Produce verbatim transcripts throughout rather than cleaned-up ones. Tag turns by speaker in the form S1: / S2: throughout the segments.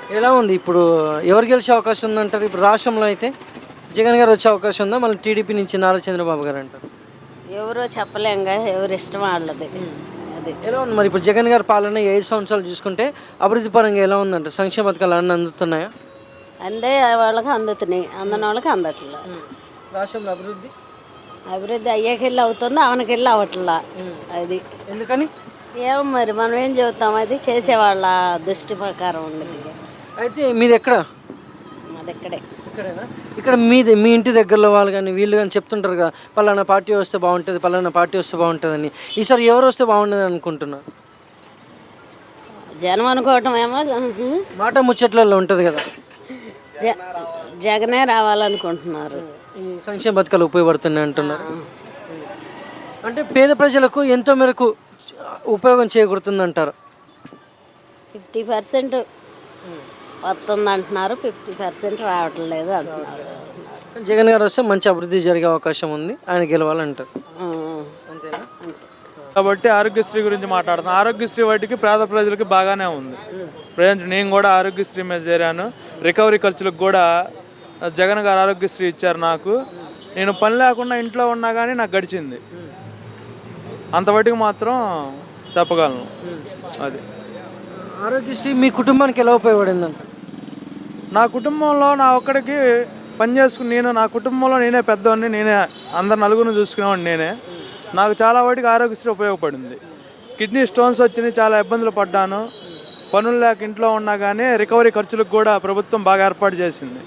S1: ఎలా ఉంది ఇప్పుడు? ఎవరు గెలిచే అవకాశం ఉందంటారు? ఇప్పుడు రాష్ట్రంలో అయితే జగన్ గారు వచ్చే అవకాశం ఉందా? మళ్ళీ టీడీపీ నుంచి నారా చంద్రబాబు గారు అంటారు.
S2: ఎవరో చెప్పలేంగా, ఎవరి ఇష్టం వాళ్ళది. అది
S1: ఎలా ఉంది మరి ఇప్పుడు జగన్ గారి పాలన ఈ ఐదు సంవత్సరాలు చూసుకుంటే అభివృద్ధి పరంగా ఎలా ఉందంట? సంక్షేమ పథకాలు అన్నీ అందుతున్నాయా?
S2: అందే వాళ్ళకి అందుతున్నాయి, అందని వాళ్ళకి అందట్లా.
S1: రాష్ట్రంలో అభివృద్ధి
S2: అభివృద్ధి అయ్యేకెళ్ళి అవుతుంది, అవనకెళ్ళి అవట్లా. అది
S1: ఎందుకని?
S2: ఏమో మరి మనం ఏం చెబుతాం, అది చేసేవాళ్ళ దృష్టి ప్రకారం ఉండదు.
S1: అయితే మీది ఎక్కడ?
S2: అది ఇక్కడే.
S1: ఇక్కడేనా? ఇక్కడ మీది మీ ఇంటి దగ్గరలో వాళ్ళు కానీ వీళ్ళు కానీ చెప్తుంటారు కదా, పలానా పార్టీ వస్తే బాగుంటుంది, పలానా పార్టీ వస్తే బాగుంటుందని. ఈసారి ఎవరు వస్తే బాగుంటుంది అనుకుంటున్నారు?
S2: జనం అనుకోవటం ఏమో
S1: మాట ముచ్చట్లలో ఉంటుంది కదా,
S2: జ జగనే రావాలనుకుంటున్నారు.
S1: ఈ సంక్షేమ పథకాలు ఉపయోగపడుతున్నాయి అంటున్నారు. అంటే పేద ప్రజలకు ఎంతో మేరకు ఉపయోగం చేకూరుతుంది అంటారు.
S2: ఫిఫ్టీ పర్సెంట్ వస్తుంది అంటున్నారు, ఫిఫ్టీ పర్సెంట్ రావట్లేదు అంటున్నారు.
S1: జగన్ గారు వస్తే మంచి అభివృద్ధి జరిగే అవకాశం ఉంది, ఆయన గెలవాలంటారు. అంతేనా?
S3: కాబట్టి ఆరోగ్యశ్రీ గురించి మాట్లాడుతున్నాను. ఆరోగ్యశ్రీ వాటికి పేద ప్రజలకి బాగానే ఉంది. ప్రజెంట్ నేను కూడా ఆరోగ్యశ్రీ మీద చేరాను. రికవరీ ఖర్చులకు కూడా జగన్ గారు ఆరోగ్యశ్రీ ఇచ్చారు నాకు. నేను పని లేకుండా ఇంట్లో ఉన్నా కానీ నాకు గడిచింది. అంతవరకు మాత్రం చెప్పగలను. అది
S1: ఆరోగ్యశ్రీ మీ కుటుంబానికి ఎలా ఉపయోగపడిందంట?
S3: నా కుటుంబంలో నా ఒక్కడికి పని చేసుకుని నేను నా కుటుంబంలో నేనే పెద్దవాడిని, నేనే అందరు నలుగురిని చూసుకునేవాడిని నేనే. నాకు చాలా వాటికి ఆరోగ్యశ్రీ ఉపయోగపడింది. కిడ్నీ స్టోన్స్ వచ్చినాయి, చాలా ఇబ్బందులు పడ్డాను. పనులు లేక ఇంట్లో ఉన్నా కానీ రికవరీ ఖర్చులకు కూడా ప్రభుత్వం బాగా ఏర్పాటు చేసింది.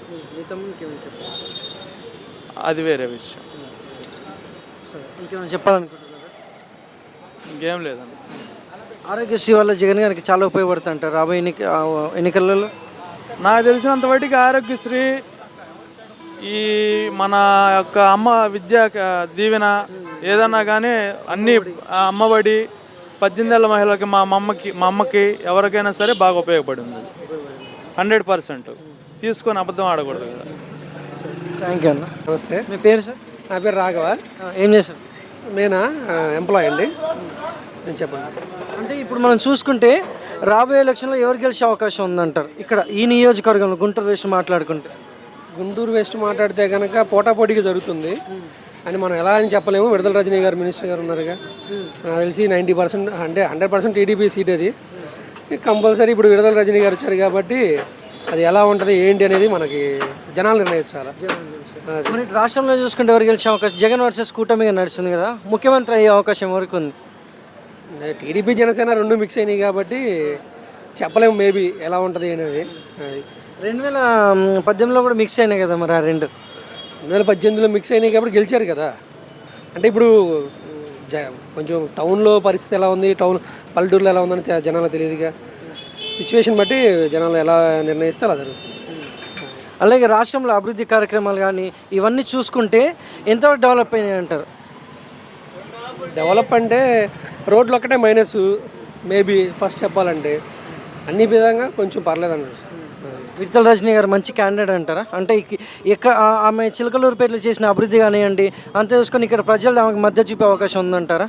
S3: అది వేరే విషయం.
S1: ఇంకేమైనా చెప్పాలనుకుంటున్నారా?
S3: ఇంకేం లేదండి.
S1: ఆరోగ్యశ్రీ వల్ల జగన్ గారికి చాలా ఉపయోగపడుతుంటారు రాబోయే ఎన్నిక ఎన్నికలలో.
S3: నాకు తెలిసినంత వాటికి ఆరోగ్యశ్రీ ఈ మన యొక్క అమ్మ విద్యా దీవెన ఏదన్నా కానీ అన్నీ అమ్మఒడి పద్దెనిమిది ఏళ్ళ మహిళలకి మా అమ్మకి మా అమ్మకి ఎవరికైనా సరే బాగా ఉపయోగపడింది. హండ్రెడ్ పర్సెంట్ తీసుకొని అబద్ధం ఆడకూడదు కదా.
S1: థ్యాంక్ యూ అన్న.
S4: నమస్తే,
S1: మీ పేరు సార్?
S4: నా పేరు రాఘవ.
S1: ఏం చేశారు?
S4: నేనా ఎంప్లాయ్ అండి. నేను చెప్పండి.
S1: అంటే ఇప్పుడు మనం చూసుకుంటే రాబోయే ఎలక్షన్లో ఎవరు గెలిచే అవకాశం ఉందంటారు ఇక్కడ ఈ నియోజకవర్గంలో గుంటూరు వెస్ట్ మాట్లాడుకుంటే?
S4: గుంటూరు వెస్ట్ మాట్లాడితే కనుక పోటాపోటీగా జరుగుతుంది అని మనం ఎలా అని చెప్పలేము. విడుదల రజనీ గారు మినిస్టర్ గారు ఉన్నారుగా, నాకు తెలిసి నైంటీ పర్సెంట్ అంటే హండ్రెడ్ పర్సెంట్ టీడీపీ సీట్ అది కంపల్సరీ. ఇప్పుడు విడుదల రజనీ గారు వచ్చారు కాబట్టి అది ఎలా ఉంటుంది ఏంటి అనేది మనకి జనాలు నిర్ణయించాలి.
S1: మరి రాష్ట్రంలో చూసుకుంటే ఎవరు గెలిచే అవకాశం? జగన్ వర్సెస్ కూటమిగా నడుస్తుంది కదా, ముఖ్యమంత్రి అయ్యే అవకాశం ఎవరికి ఉంది?
S4: టీడీపీ జనసేన రెండు మిక్స్ అయినాయి కాబట్టి చెప్పలేము మేబీ ఎలా ఉంటుంది అనేది. అది
S1: రెండు వేల పద్దెనిమిదిలో కూడా మిక్స్ అయినాయి కదా మరి ఆ రెండు.
S4: రెండు వేల పద్దెనిమిదిలో మిక్స్ అయినాయి కాబట్టి గెలిచారు కదా. అంటే ఇప్పుడు జ కొంచెం టౌన్లో పరిస్థితి ఎలా ఉంది, టౌన్ పల్లెటూరులో ఎలా ఉందని జనాలకు తెలియదుగా. సిచ్యువేషన్ బట్టి జనాలు ఎలా నిర్ణయిస్తే అలా జరుగుతుంది.
S1: అలాగే రాష్ట్రంలో అభివృద్ధి కార్యక్రమాలు కానీ ఇవన్నీ చూసుకుంటే ఎంతవరకు డెవలప్ అయినాయి అంటారు?
S4: డెవలప్ అంటే రోడ్లు ఒక్కటే మైనస్ మేబీ ఫస్ట్ చెప్పాలంటే, అన్ని విధంగా కొంచెం పర్లేదు అన్నారు.
S1: విడుదల రజనీ గారు మంచి క్యాండిడేట్ అంటారా? అంటే ఎక్కడ ఆమె చిలకలూరుపేటలో చేసిన అభివృద్ధి కానివ్వండి అంతే చూసుకొని ఇక్కడ ప్రజలు ఆమెకు మద్దతు చూపే అవకాశం ఉందంటారా?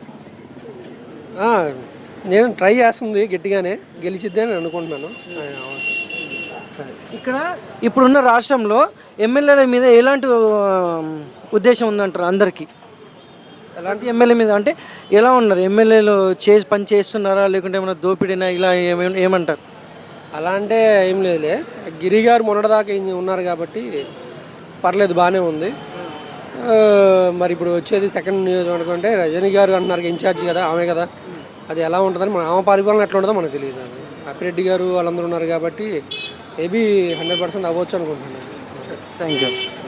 S4: నేను ట్రై చేస్తుంది గట్టిగానే, గెలిచిద్ది అని అనుకుంటున్నాను.
S1: ఇక్కడ ఇప్పుడున్న రాష్ట్రంలో ఎమ్మెల్యేల మీద ఎలాంటి ఉద్దేశం ఉందంటారు అందరికీ? ఎలాంటి ఎమ్మెల్యే మీద అంటే ఎలా ఉన్నారు ఎమ్మెల్యేలు? చే పని చేస్తున్నారా లేకుంటే ఏమైనా దోపిడీనా ఇలా ఏమే ఏమంటారు?
S4: అలా అంటే ఏం లేదులే, గిరి గారు మొన్నటిదాకా ఉన్నారు కాబట్టి పర్లేదు, బాగానే ఉంది. మరి ఇప్పుడు వచ్చేది సెకండ్ నియోజకవర్గం అంటే రజనీ గారు అంటున్నారు ఇన్ఛార్జ్ కదా, ఆమె కదా, అది ఎలా ఉంటుందని మన ఆమె పరిపాలన ఎట్లా ఉంటుందో మనకు తెలియదు. అది అప్పిరెడ్డి గారు వాళ్ళందరూ ఉన్నారు కాబట్టి మేబీ హండ్రెడ్ పర్సెంట్ అవ్వచ్చు అనుకుంటున్నాను.
S1: Thank you.